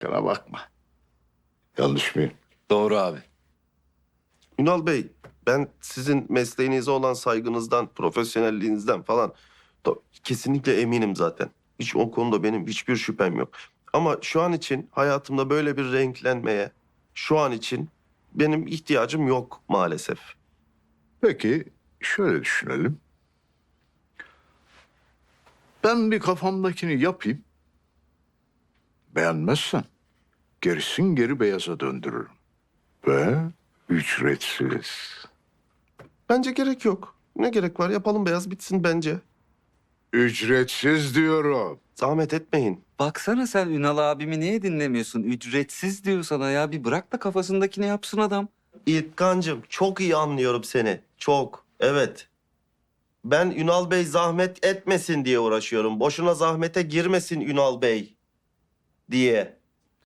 Bana bakma. Yanlış mıyım? Doğru abi. Ünal Bey, ben sizin mesleğinize olan saygınızdan, profesyonelliğinizden falan kesinlikle eminim zaten. Hiç o konuda benim hiçbir şüphem yok. Ama şu an için hayatımda böyle bir renklenmeye şu an için benim ihtiyacım yok maalesef. Peki şöyle düşünelim. Ben bir kafamdakini yapayım. Beğenmezsen gerisin geri beyaza döndürürüm. Ve ücretsiz. Bence gerek yok. Ne gerek var? Yapalım beyaz bitsin bence. Ücretsiz diyorum. Zahmet etmeyin. Baksana sen Ünal abimi niye dinlemiyorsun? Ücretsiz diyor sana ya. Bir bırak da kafasındakini yapsın adam. İlkancığım çok iyi anlıyorum seni. Çok. Evet. Ben Ünal Bey zahmet etmesin diye uğraşıyorum. Boşuna zahmete girmesin Ünal Bey diye.